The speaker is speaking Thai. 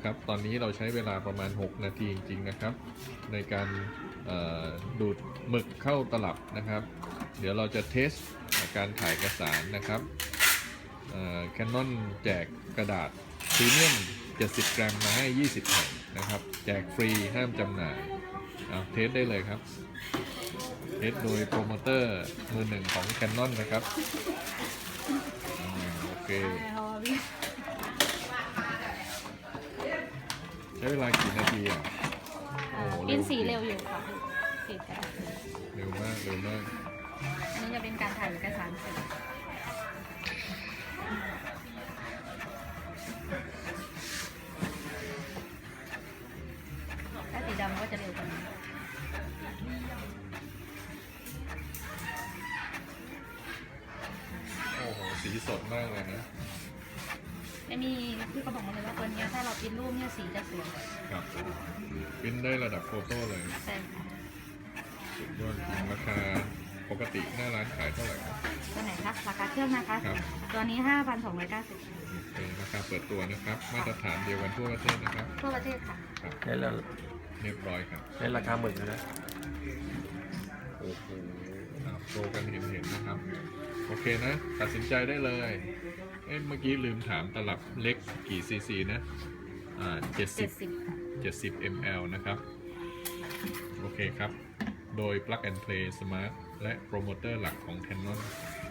ครับตอนนี้เราใช้เวลาประมาณ6 นาทีจริงๆนะครับในการดูดหมึกเข้าตลับนะครับ เดี๋ยวเราจะเทสการถ่ายเอกสารนะครับCanon แจกกระดาษพรีเมียม70 กรัมมาให้20 แผ่นนะครับแจกฟรีห้ามจำหน่ายเอาเทสได้เลยครับเทสโดยโปรโมเตอร์มือหนึ่งของ Canon นะครับโอเคใช้เวลากี่นาทีอ่ะโอ้เป็นสีเร็วอยู่ค่ะสีกระดาษเร็วมากเร็วมากอันนี้จะเป็นการถ่ายเอกสารสีถ้าสีดำก็จะเร็วกว่านี้โอ้โหสีสดมากเลยนะอันนี้พี่ก็บอกมาเลยว่าตัวนี้ถ้าเราพิมพ์รูปเนี่ยสีจะสวยครับปริ้นได้ระดับโฟโต้เลยใช่ค่ะสุดยอดจริงราคาปกติหน้าร้านขายเท่าไหร่ครับตัวไหนคะราคาเครื่องนะคะครับตัวนี้ 5,290 เป็นราคาเปิดตัวนะครับ มาตรฐานเดียวกันทั่วประเทศนะครับทั่วประเทศค่ะครับได้แล้วเรียบร้อยครับได้ราคาหมื่นนะโอ้โหโชว์กันเห็นนะครับ โอเคนะ ตัดสินใจได้เลย เมื่อกี้ลืมถามตลับเล็กกี่ซีซีนะ70 ml นะครับ โอเคครับ โดย Plug and Play Smart และโปรโมเตอร์หลักของ Canon